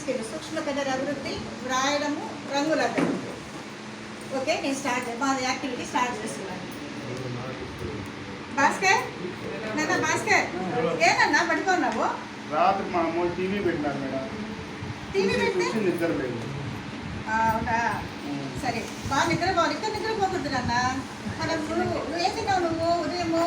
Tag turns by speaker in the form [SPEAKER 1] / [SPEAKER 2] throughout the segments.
[SPEAKER 1] Skill సూక్ష్మ colour అభివృద్ధి వ్రాయడము రంగుల అభివృద్ధి. ఓకే, నేను మా యాక్టివిటీ స్టార్ట్ చేస్తున్నాను. భాస్కర్ నాన్న, భాస్కర్ ఏనన్నా పడుకున్నావు?
[SPEAKER 2] రాత్రి మా అమ్మ టీవీ పెట్టినారు మేడం.
[SPEAKER 1] టీవీ పెట్టి
[SPEAKER 2] నిద్రలేదు.
[SPEAKER 1] అవునా, సరే బాగా నిద్రపోవాలి. ఇక్కడ నిద్రపోకూడదు నాన్న. మనం నువ్వేం తిన్నావు? నువ్వు ఉదయము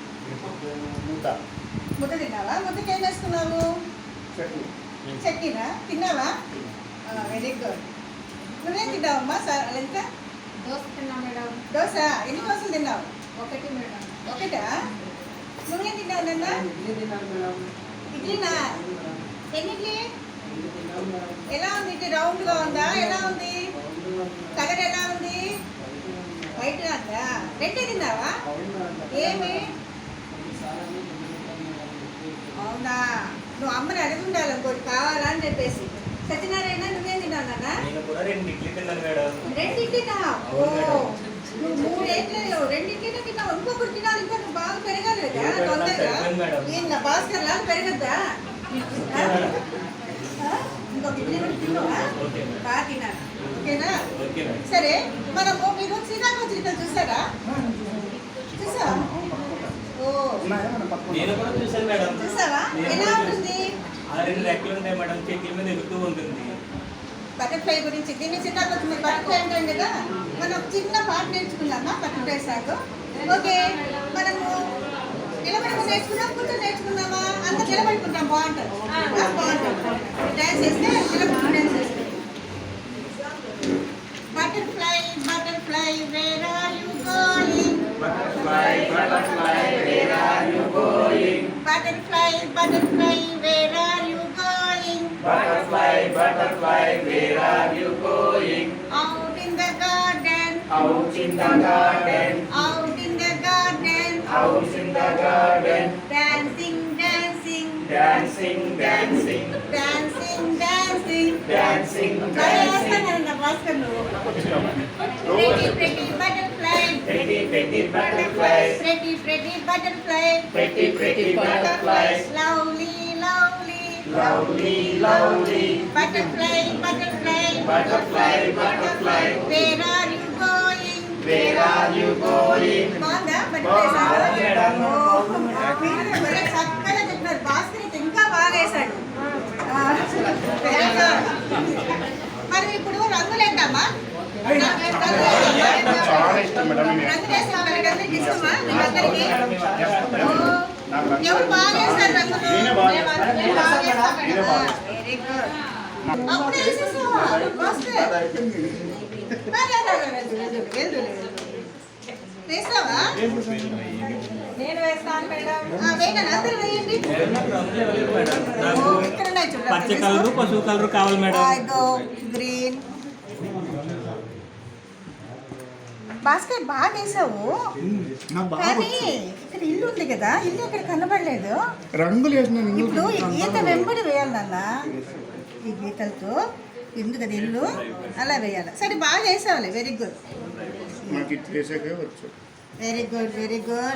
[SPEAKER 1] ముద్ద తిన్నావా? ముద్దకి ఏం వేసుకున్నావు? చట్నీనా తిన్నావా? Very good. నువ్వేం తిన్నావమ్మా? లలిత?
[SPEAKER 3] దోశ తిన్నా మేడం.
[SPEAKER 1] దోశ ఎన్ని దోశలు తిన్నావు?
[SPEAKER 3] ఒకటి మేడం.
[SPEAKER 1] ఒకటా? నువ్వేం తిన్నావు నాన్న? ఇడ్లీనా? ఎన్ని ఇడ్లీ? ఎలా ఉంది? ఇడ్లీ రౌండ్గా ఉందా? ఎలా ఉంది? కలర్ ఎలా ఉంది? వైట్గా ఉందా? రెండే తిన్నావా? ఏమి? అవునా, నువ్వు అమ్మని అడిగి ఉండాలి ఇంకోటి కావాలా అని చెప్పేసి. సత్యనారాయణ నువ్వేం తిన్నావు నాన్న?
[SPEAKER 4] రెండు ఇడ్లీ తిన్నాను మేడం.
[SPEAKER 1] రెండు ఇడ్లీనా? ఓ, నువ్వు 3 ఏళ్ళు 2 ఇడ్లీనే తిన్నావు. ఇంకొకటి తినాలి, ఇంకా నువ్వు బాగా పెరగాలి కదా తొందరగా. ఏందా భాస్కర్ లాగా పెరగద్దా? ఇంకొక ఇడ్లీ కూడా తిన్నావా? బాగా తిన్నాను. ఓకేనా? సరే, మనము మీరు శ్రీకాకుళం చూసారా? చూసావా? ఓ,
[SPEAKER 4] నేను కూడా చూసాను మేడం.
[SPEAKER 1] చూసావా? ఎలా ఉంటుంది?
[SPEAKER 4] 6 రెక్కలు ఉంటాయి మేడం, చెట్ల మీద ఎగుతూ ఉంటుంది.
[SPEAKER 1] బటర్ఫ్లై గురించి దీన్ని శ్రీకాకుళం బటర్ఫ్లై అంటాం కదా. మనం చిన్న పాట నేర్చుకున్నామా బటర్ఫ్లై సాగు? ఓకే, మనము నిలబడి నేర్చుకున్నాం, కూర్చొని నేర్చుకున్నామా? అంత నిలబడుకుంటాం. బాగుంటుంది, బాగుంటుంది. డ్యాన్స్ చేస్తే నిలబడి డ్యాన్స్ చేస్తాం. Butterfly butterfly where are you going?
[SPEAKER 4] Butterfly, butterfly, where are you going?
[SPEAKER 1] Butterfly, butterfly, where are you going?
[SPEAKER 4] Butterfly, butterfly, where are you going?
[SPEAKER 1] Out in the garden.
[SPEAKER 4] Out in the garden.
[SPEAKER 1] Out in the garden.
[SPEAKER 4] Out in the garden.
[SPEAKER 1] Dancing, dancing.
[SPEAKER 4] Dancing, dancing.
[SPEAKER 1] Dancing, dancing.
[SPEAKER 4] Dancing, dancing.
[SPEAKER 1] Pretty, pretty butterfly.
[SPEAKER 4] Pretty, pretty butterflies.
[SPEAKER 1] Pretty, pretty butterfly.
[SPEAKER 4] Pretty, pretty butterflies.
[SPEAKER 1] Lovely, lovely.
[SPEAKER 4] Lovely, lovely.
[SPEAKER 1] Butterfly, butterfly.
[SPEAKER 4] Butterfly, butterfly.
[SPEAKER 1] Where are you going?
[SPEAKER 4] Where are you going?
[SPEAKER 1] బాగుందా butterfly సాగు?
[SPEAKER 4] బాగుంది madam.
[SPEAKER 1] మీరు భలే చక్కగా చెప్పినారు. భాస్కర్ అయితే ఇంకా బాగా వేశాడు. Very good. మరి ఇప్పుడు రంగులు వేద్దామా?
[SPEAKER 2] చాలా ఇష్టం మేడం.
[SPEAKER 1] రంగులు వేస్తాం. అందరికి ఇష్టమా? మీకందరికి? ఎవరు బాగా వేస్తారు రంగులు? Very good. అప్పుడు వేసేసావా భాస్కర్? వేస్తావా?
[SPEAKER 3] నేను వేస్తాను మేడం.
[SPEAKER 1] వేయండి, అందరూ వేయండి. ఇక్కడ ఉన్నాయి చూడండి.
[SPEAKER 4] పచ్చ కలరు, పసుపు కలరు కావాలి మేడం.
[SPEAKER 1] గ్రీన్. భాస్కర్ బాగా వేసావు, కానీ ఇక్కడ ఇల్లు ఉంది కదా, ఇల్లు ఇక్కడ కనబడలేదు.
[SPEAKER 2] రంగులు
[SPEAKER 1] ఇప్పుడు ఈ గీత వెంబడి వేయాలి నాన్న. ఈ గీతలతో ఇల్లు కదా, ఇల్లు అలా వేయాలి. సరే, బాగా వేసావులే. Very good, very good, very good.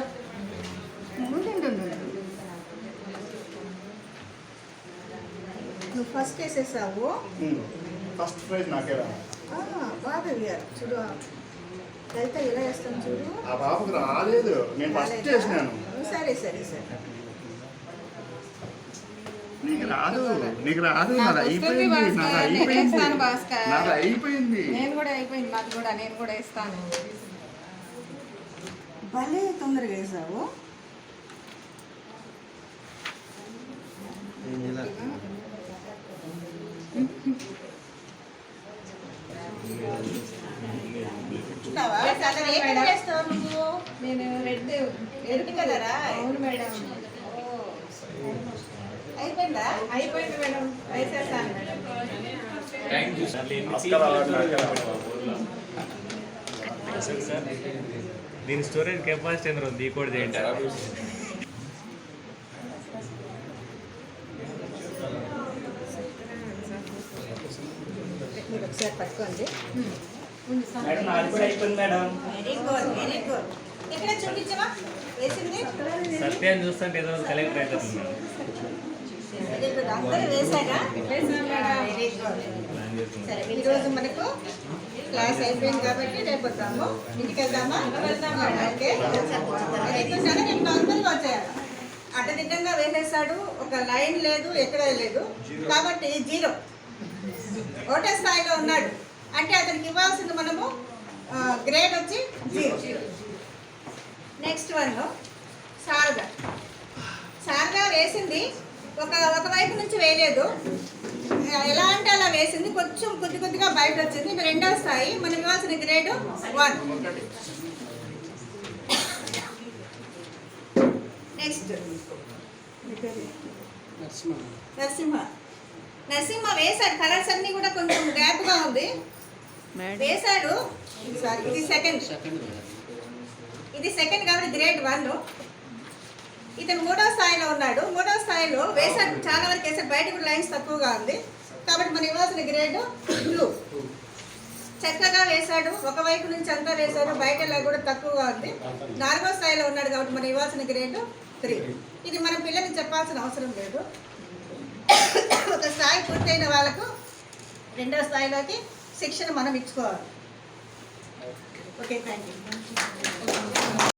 [SPEAKER 1] నువ్వు ఫస్ట్ వేసేసావు.
[SPEAKER 2] ఫస్ట్ ప్రైజ్ నాకే రా.
[SPEAKER 1] బాగా వేయాలి. చూడు లలిత ఎలా వేస్తాను చూడు.
[SPEAKER 2] ఆ బాబుకి రాలేదు, నేను ఫస్ట్ చేసినాను.
[SPEAKER 1] సరే సరే సరే.
[SPEAKER 2] నీకు రాదు, నీకు రాదు. నాది అయిపోయింది, నాది అయిపోయింది, నాది అయిపోయింది.
[SPEAKER 3] నేను కూడా అయిపోయింది, నాకు కూడా. నేను కూడా ఇస్తాను.
[SPEAKER 1] భలే తొందరగా వేసావు.
[SPEAKER 3] నేను రెడ్.
[SPEAKER 1] ఎరుపు కలరా?
[SPEAKER 3] అవును మేడం.
[SPEAKER 1] అయిపోయిందా?
[SPEAKER 3] అయిపోయింది మేడం, వేసేసాను మేడం.
[SPEAKER 4] దీని స్టోరేజ్ కెపాసిటీ ఎంత ఉంది? ఈ కోడ్ చేయండి.
[SPEAKER 1] మీరు ఒకసారి పట్టుకోండి.
[SPEAKER 4] మేడం, నాది కూడా అయిపోయింది madam.
[SPEAKER 1] Very good, very good. ఎక్కడ చూపించమా వేసింది?
[SPEAKER 4] సత్యాన్ని చూస్తుంటే ఏదో కలెక్టర్ అవుతుంది.
[SPEAKER 1] అందరూ వేసాగా?
[SPEAKER 3] వేసాను మేడం.
[SPEAKER 1] Very very good. సరే ఈరోజు మనకు క్లాస్ అయిపోయింది కాబట్టి రేపు వద్దాము. ఇంటికి వెళ్దామా? ఓకే. ఎక్కుతున్నాను నేను నార్మల్గా వచ్చేయాలి. అడ్డదిడ్డంగా వేసేసాడు, ఒక లైన్ లేదు, ఎక్కడ లేదు, కాబట్టి 0 ఒకటే స్థాయిలో ఉన్నాడు అంటే అతనికి ఇవ్వాల్సింది మనము గ్రేడ్ వచ్చి 0. నెక్స్ట్ వన్ శారద వేసింది ఒకవైపు నుంచి వేయలేదు, ఎలా అంటే అలా వేసింది, కొంచెం కొద్దిగా బయట వచ్చింది. ఇది రెండో స్థాయి, మనకి ఇవ్వాల్సిన గ్రేడ్ 1. నెక్స్ట్ నరసింహ వేశాడు, కలర్స్ అన్నీ కూడా కొంచెం గ్యాప్గా ఉంది, వేశాడు. సారీ, ఇది సెకండ్ కాబట్టి గ్రేడ్ 1. ఇతను 3వ స్థాయిలో ఉన్నాడు. 3వ స్థాయిలో వేశాడు, చాలా వరకు వేసాడు, బయట కూడా లైన్స్ తక్కువగా ఉంది కాబట్టి మనం ఇవ్వాల్సిన గ్రేడ్ 2. చక్కగా వేశాడు, ఒకవైపు నుంచి అంతా వేశాడు, బయట కూడా తక్కువగా ఉంది. 4వ స్థాయిలో ఉన్నాడు కాబట్టి మనం ఇవ్వాల్సిన గ్రేడ్ 3. ఇది మన పిల్లలకి చెప్పాల్సిన అవసరం లేదు. ఒక స్థాయి పూర్తయిన వాళ్ళకు 2వ స్థాయిలోకి శిక్షణ మనం ఇచ్చుకోవాలి. Okay, thank you.